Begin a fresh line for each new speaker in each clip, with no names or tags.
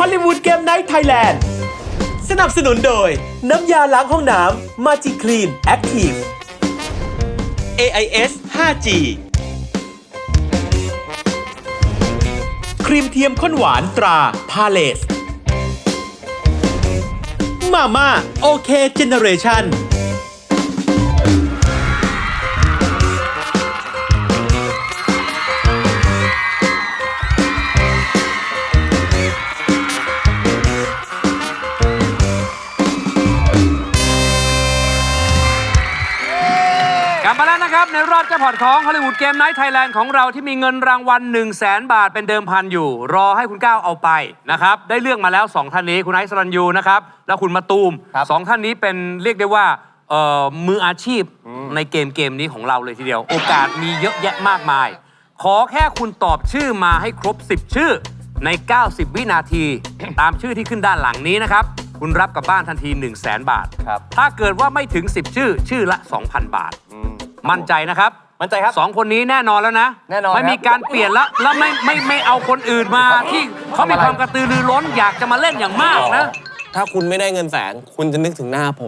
อลลีวูดเกมไนท์ไทยแลนด์สนับสนุนโดยน้ำยาล้างห้องน้ำมาจิคลีนแอคทีฟ AIS 5G ครีมเทียมข้นหวานตราพาเลสมาม่าโอเคเจเนเรชั่น
กลับมาแล้วนะครับในรอบแจ็คพอตของฮอลลีวูดเกมไนท์ไทยแลนด์ของเราที่มีเงินรางวัล 100,000 บาทเป็นเดิมพันอยู่รอให้คุณก้าวเอาไปนะครับได้เลือกมาแล้ว 2 ท่านนี้คุณไอซ์สรัญยูนะครับแล้วคุณมะตูม 2 ท่านนี้เป็นเรียกได้ว่ามืออาชีพในเกมนี้ของเราเลยทีเดียวโอกาสมีเยอะแยะมากมายขอแค่คุณตอบชื่อมาให้ครบ 10 ชื่อใน 90 วินาที ตามชื่อที่ขึ้นด้านหลังนี้นะครับคุณรับกลับบ้านทันที 100,000 บาทถ้าเกิดว่าไม่ถึง 10 ชื่อละ 2,000 บาทมั่นใจนะครับมั่นใจครับ2คนนี้แน่นอนแล้วนะแน่นอนไม่มีการเปลี่ยนแล้วไม่เอาคนอื่นมาที่เขามีความกระตือรือร้นอยากจะมาเล่นอย่างมากนะ
ถ้าคุณไม่ได้เงินแสนคุณจะนึกถึงหน้าผม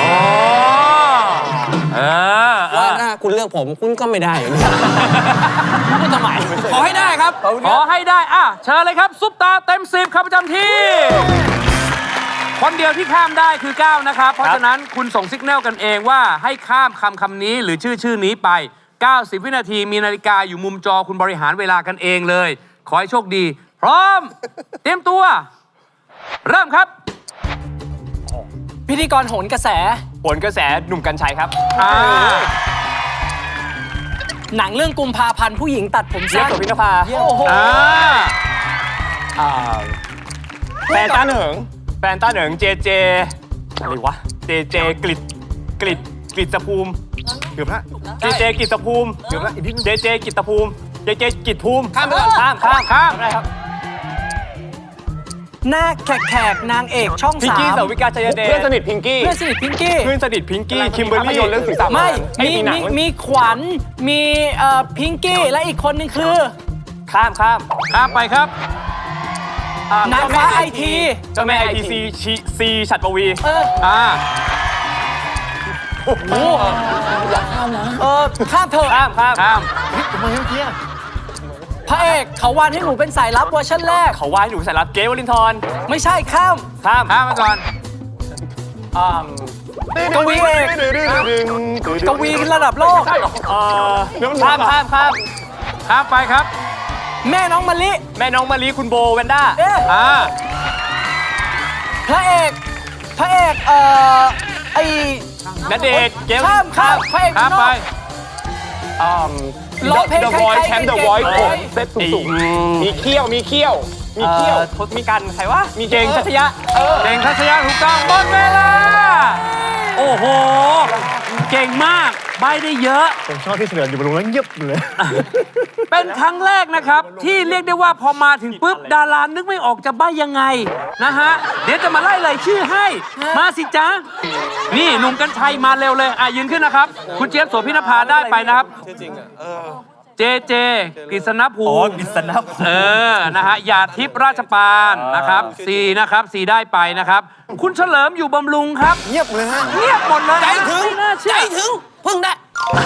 ว่าถ้าคุณเลือกผมคุณก็ไม่ได้
พูดทำไมขอให้ได้ครับขอให้ได้เชิญเลยครับซุปตาเต็ม10ครับประจำที่คนเดียวที่ข้ามได้คือ9นะครับเพราะฉะนั้นคุณส่งสัญญาณกันเองว่าให้ข้ามคำนี้หรือชื่อนี้ไป90 วินาทีมีนาฬิกาอยู่มุมจอคุณบริหารเวลากันเองเลยขอให้โชคดีพร้อมเตรียมตัวเริ่มครับ
พิธีกรโหนกระแสหนุ่มกรรชัยครับหนังเรื่องกุมภาพันธ์ผู้หญิงตัดผมสั้น
โสภินภา
โอ้โห
แฟนต้าเหนิงเจอะไรวะเจกฤษภูมิเกือบละเจกฤษภูมิเกือบละเจกฤษภูมิเจกฤษภูมิข้ามไปก่อนข้ามได้ครับ
หน้าแขกนางเอกช่อง3
พิงกี้สาวิกาชัยเดชเพื่อนสนิทพิงกี้คิมเบอร์รี่เรื่องสีสัน
ไม่มีขวัญมีพิงกี้และอีกคนนึงคือ
ข้าม
ไปครับ
นางฟ้าไอที
เจ้าแม่ไอทีซีฉัตรปวี
โอ้โหอย่าข้ามนะข้ามเถอะ
ข้าม
ทำไมเมื่อกี้พระเอกเขาวานให้หนูเป็นสายลับเวอร์ชันแรก
เขาวานให้หนูสายลับเกวลินทร
ไม่ใช่ข้าม
ไปก่อน
กวีเอกกวีระดับโลก
ข้าม
ไปครับ
แม่น้องมะลิ
คุณโบแวนด้า
พระเอกไอ้
ณเดชน์เกม
ข้ามพระเอก
ข้ามไป
ร้องเพลง
The Voice แชมป์ The Voice เซตสูงมีเขี้ยวมีกันใครวะมีเก่งทัชยะ
ถูกต้องหมดเวลาโอ้โหเก่งมากใบได้เยอะ
ผมชอบที่เฉลิมอยู่บนลงแล้วเงียบเลย
เป็นครั้งแรกนะครับที่เรียกได้ว่าพอมาถึงปุ๊บดารานึกไม่ออกจะใบยังไงนะฮะเดี๋ยวจะมาไล่รายชื่อให้มาสิจ๊ะนี่หนุ่มกรรชัยมาเร็วเลยยืนขึ้นนะครับคุณเจี๊ยบโสภินภาได้ไปนะครับ
จริง
เจกฤษณภูมินะฮะหยาดทิพย์ราชปานนะครับ4นะครับ4ได้ไปนะครับคุณเฉลิมอยู่บำรุงครับ
เงียบเลยฮะ
เงียบหมดเลย
ใจถึงเพิ่งได้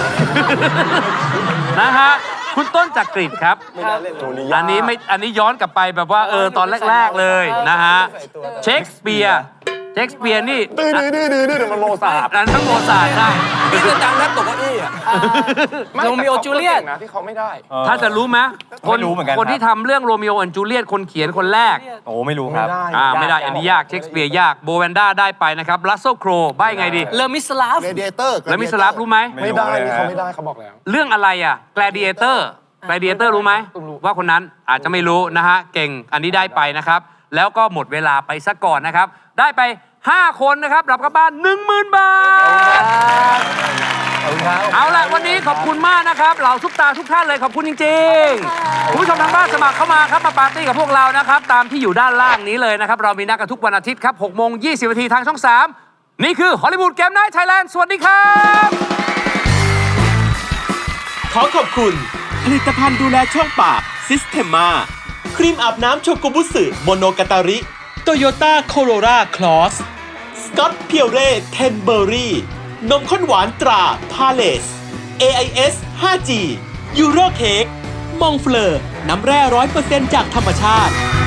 นะฮะคุณต้นจักริดครับอันนี้ย้อนกลับไปแบบว่าตอนแรกๆเลยนะฮะเชคสเปียร์นี่
ดื้อมันโมซาร์ท
นั่นทั้งโมซาร์ทได้
นี่คือดังแทบตกเก้าอี้โรมิโอจูเลียต
ที่เขาไม่ได้
ถ้าจะรู้ไหมคนที่ทำเรื่องโรมิโอและจูเลียตคนเขียนคนแรก
โอ้ไม่รู้ครับ
ไม่ได้อันนี้ยากเชคสเปียร์ยากโบแวนด้าได้ไปนะครับรัสเซลโครใบ้ไงดี
เลมิสลาฟ
รู้ไหม
ไม่ได้เขาไม่ได้เขาบอกแล้ว
เรื่องอะไรแกลดิเอเตอร์รู้ไหมว่าคนนั้นอาจจะไม่รู้นะฮะเก่งอันนี้ได้ไปนะครับแล้วก็หมดเวลาไปซะก่อนนะครับได้ไป5 คนนะครับรับกลับบ้าน 10,000 บาทเอาล่ะวันนี้ขอบคุณมากนะครับเหล่าซุปตาทุกท่านเลยขอบคุณจริงๆคุณผู้ชมทางบ้านสมัครเข้ามาครับมาปาร์ตี้กับพวกเรานะครับตามที่อยู่ด้านล่างนี้เลยนะครับเรามีนัดกันทุกวันอาทิตย์ครับ 6:20 น.ทางช่อง 3นี่คือฮอลลีวูดเกมไนท์ไทยแลนด์สวัสดีครับ
ขอขอบคุณผลิตภัณฑ์ดูแลช่องปากซิสเทมมาครีมอาบน้ำโชกุบุสึโมโนกาตาริโตโยต้าโคโรราคลอสสกอตเพียวเร่เทนเบอรี่นมข้นหวานตราพาเลส AIS 5G ยูโรเค้กมองเฟลอร์น้ำแร่ 100% จากธรรมชาติ